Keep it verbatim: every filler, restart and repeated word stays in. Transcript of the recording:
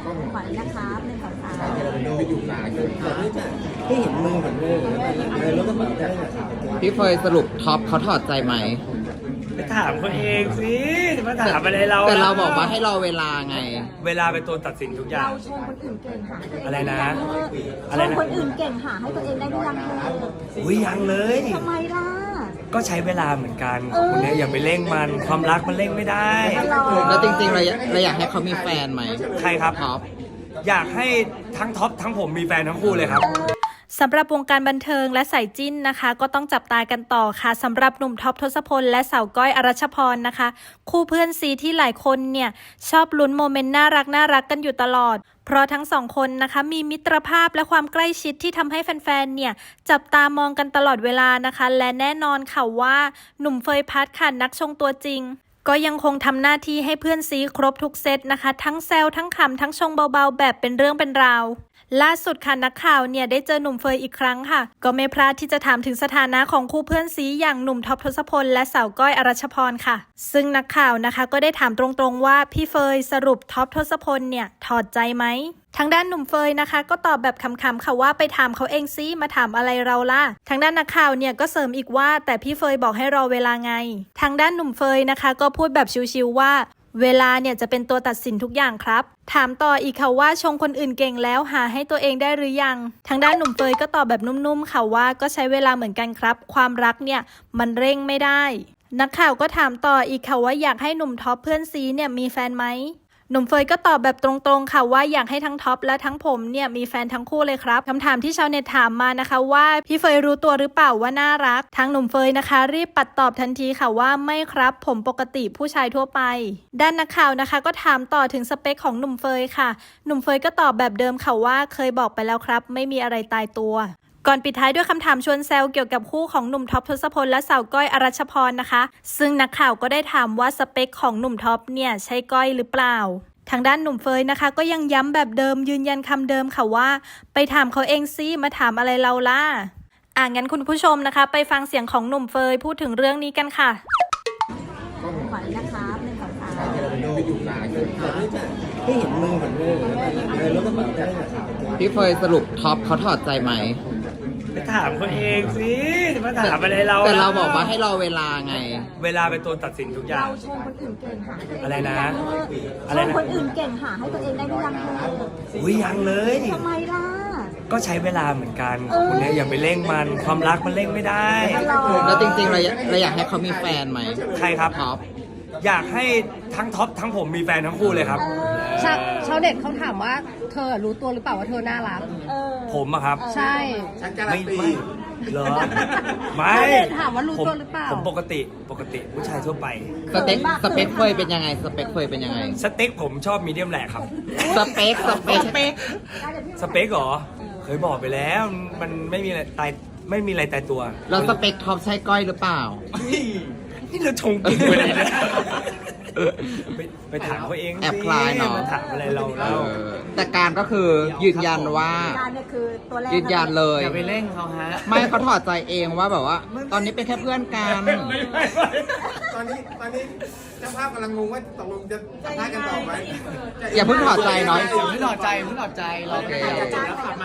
ขอนะครับหนึ่งสองสามไปอยู่นานเลยให้เห็นมือเห็นมือเลยแล้วก็แบบได้พี่เฟยสรุปท็อปเขาถอดใจไหมไปถามเขาเองสิมาถามอะไรเราแต่เราบอกว่าให้รอเวลาไงเวลาเป็นตัวตัดสินทุกอย่าเรางชมคนอื่นเก่งหาให้ตัวเองอะไรนะชอะไรมนะคนอื่นเก่งหาให้ตัวเองได้หรือยังเธออุ้ยยังเลยทำไมล่ะก็ใช้เวลาเหมือนกันเออคุณเนี่ยอย่าไปเร่งมันความรักมันเร่งไม่ได้แล้วจริงๆเราอยากเราอยากให้เขามีแฟนไหมใครครับท็อปอยากให้ทั้งท็อปทั้งผมมีแฟนทั้งคู่เลยครับสำหรับวงการบันเทิงและสายจิ้นนะคะ ก็ต้องจับตากันต่อค่ะสำหรับหนุ่มท็อปทศพลและสาวก้อยอรัชพรนะคะ คู่เพื่อนซีที่หลายคนเนี่ยชอบลุ้นโมเมนต์น่ารักน่ารักกันอยู่ตลอด เพราะทั้งสองคนนะคะมีมิตรภาพและความใกล้ชิดที่ทำให้แฟนๆเนี่ยจับตามองกันตลอดเวลานะคะ และแน่นอนค่ะว่าหนุ่มเฟยพัฒน์ค่ะนักชงตัวจริง ก็ยังคงทำหน้าที่ให้เพื่อนซีครบทุกเซตนะคะทั้งแซวทั้งขำทั้งชงเบาๆแบบเป็นเรื่องเป็นราวล่าสุดค่ะนักข่าวเนี่ยได้เจอหนุ่มเฟยอีกครั้งค่ะก็ไม่พลาดที่จะถามถึงสถานะของคู่เพื่อนซีอย่างหนุ่มท็อปทศพลและสาวก้อยอรัชพรค่ะซึ่งนักข่าวนะคะก็ได้ถามตรงๆว่าพี่เฟยสรุปท็อปทศพลเนี่ยถอดใจไหมทางด้านหนุ่มเฟยนะคะก็ตอบแบบขำๆค่ะว่าไปถามเขาเองซิมาถามอะไรเราล่ะทางด้านนักข่าวเนี่ยก็เสริมอีกว่าแต่พี่เฟยบอกให้รอเวลาไงทางด้านหนุ่มเฟยนะคะก็พูดแบบชิวๆว่าเวลาเนี่ยจะเป็นตัวตัดสินทุกอย่างครับถามต่ออีกค่ะว่าชงคนอื่นเก่งแล้วหาให้ตัวเองได้หรือยังทางด้านหนุ่มเฟยก็ตอบแบบนุ่มๆค่ะว่าก็ใช้เวลาเหมือนกันครับความรักเนี่ยมันเร่งไม่ได้นักข่าวก็ถามต่ออีกค่ะว่าอยากให้หนุ่มท็อปเพื่อนซีเนี่ยมีแฟนไหมหนุ่มเฟยก็ตอบแบบตรงๆค่ะว่าอยากให้ทั้งท็อปและทั้งผมเนี่ยมีแฟนทั้งคู่เลยครับคำถามที่ชาวเน็ตถามมานะคะว่าพี่เฟยรู้ตัวหรือเปล่าว่าน่ารักทางหนุ่มเฟยนะคะรีบปัดตอบทันทีค่ะว่าไม่ครับผมปกติผู้ชายทั่วไปด้านนักข่าวนะคะก็ถามต่อถึงสเปคของหนุ่มเฟยค่ะหนุ่มเฟยก็ตอบแบบเดิมค่ะว่าเคยบอกไปแล้วครับไม่มีอะไรตายตัวก่อนปิดท้ายด้วยคำถามชวนแซวเกี่ยวกับคู่ของหนุ่มท็อปทศพลและสาวก้อยอรัชพรนะคะซึ่งนักข่าวก็ได้ถามว่าสเปคของหนุ่มท็อปเนี่ยใช่ก้อยหรือเปล่าทางด้านหนุ่มเฟยนะคะก็ยังย้ำแบบเดิมยืนยันคำเดิมค่ะว่าไปถามเขาเองซิมาถามอะไรเราล่ะอ่ะงั้นคุณผู้ชมนะคะไปฟังเสียงของหนุ่มเฟยพูดถึงเรื่องนี้กันค่ะขอนะครับหนึ่งสองสามไปอยู่นานเลยให้เห็นมือเห็นมือเลยแล้วก็แบบได้พี่เฟยสรุปท็อปเขาถอดใจไหมไปถามเขาเองสิมาถามอะไรเราแต่เราบอกว่าให้รอเวลาไงเวลาเป็นตัวตัดสินทุกอย่าเรางชมคนอื่นเก่งหาให้ตัวเองอะไรนะชมคนอื่นเก่งหาให้ตัวเองได้หรือยังเธออุ้ยยังเลยทำไมล่ะก็ใช้เวลาเหมือนกันเออคุณเนี่ยอย่าไปเร่งมันความรักมันเร่งไม่ได้แล้วจริงๆเราอยากเราอยากให้เขามีแฟนไหมใครครับท็อปอยากให้ทั้งท็อปทั้งผมมีแฟนทั้งคู่เลยครับชาวชาวเน็ตเขาถามว่าเธอรู้ตัวหรือเปล่าว่าเธอน่ารักเออผมอะครับใช่ฉันการัไม่นตีไม่เหรอไม่ชาวเน็ตถามว่ารู้ผมตัวหรือเปล่าผมปกติปกติผู้ชายทั่วไปสเปคสเปคเฟยเป็นยังไงสเปคเฟยเป็นยังไงสเต็กผมชอบมีเดียมแหลกครับสเปคสเปคสเปคเหรอ เคยบอกไปแล้ว มันไม่มีอะไรตายไม่มีอะไรตายตัวแล้วสเปคท็อปใช่ก้อยหรือเปล่านี่เราชงกินไปเลยนะไปไปถามเขาเองสิแอบคลายเนอะมาถามอะไรเราเอเล่าอแต่การก็คือยืนยันว่าการเนี่ยคือตัวแรกยืนยันเลยอย่าไปเร่งเขาฮะไม่เขาถอดใจเองว่าแบบว่า ตอนนี้เป็นแค่เพื่อนกันตอนนี้ตอนนี้เจ้าภาพกำลังงงว่าตกลงจะสัมภาษณ์กันต่อไหมอย่าเพิ่งถอดใจเนาะอย่าเพิ่งถอดใจอย่าเพิ่งถอดใจโอเค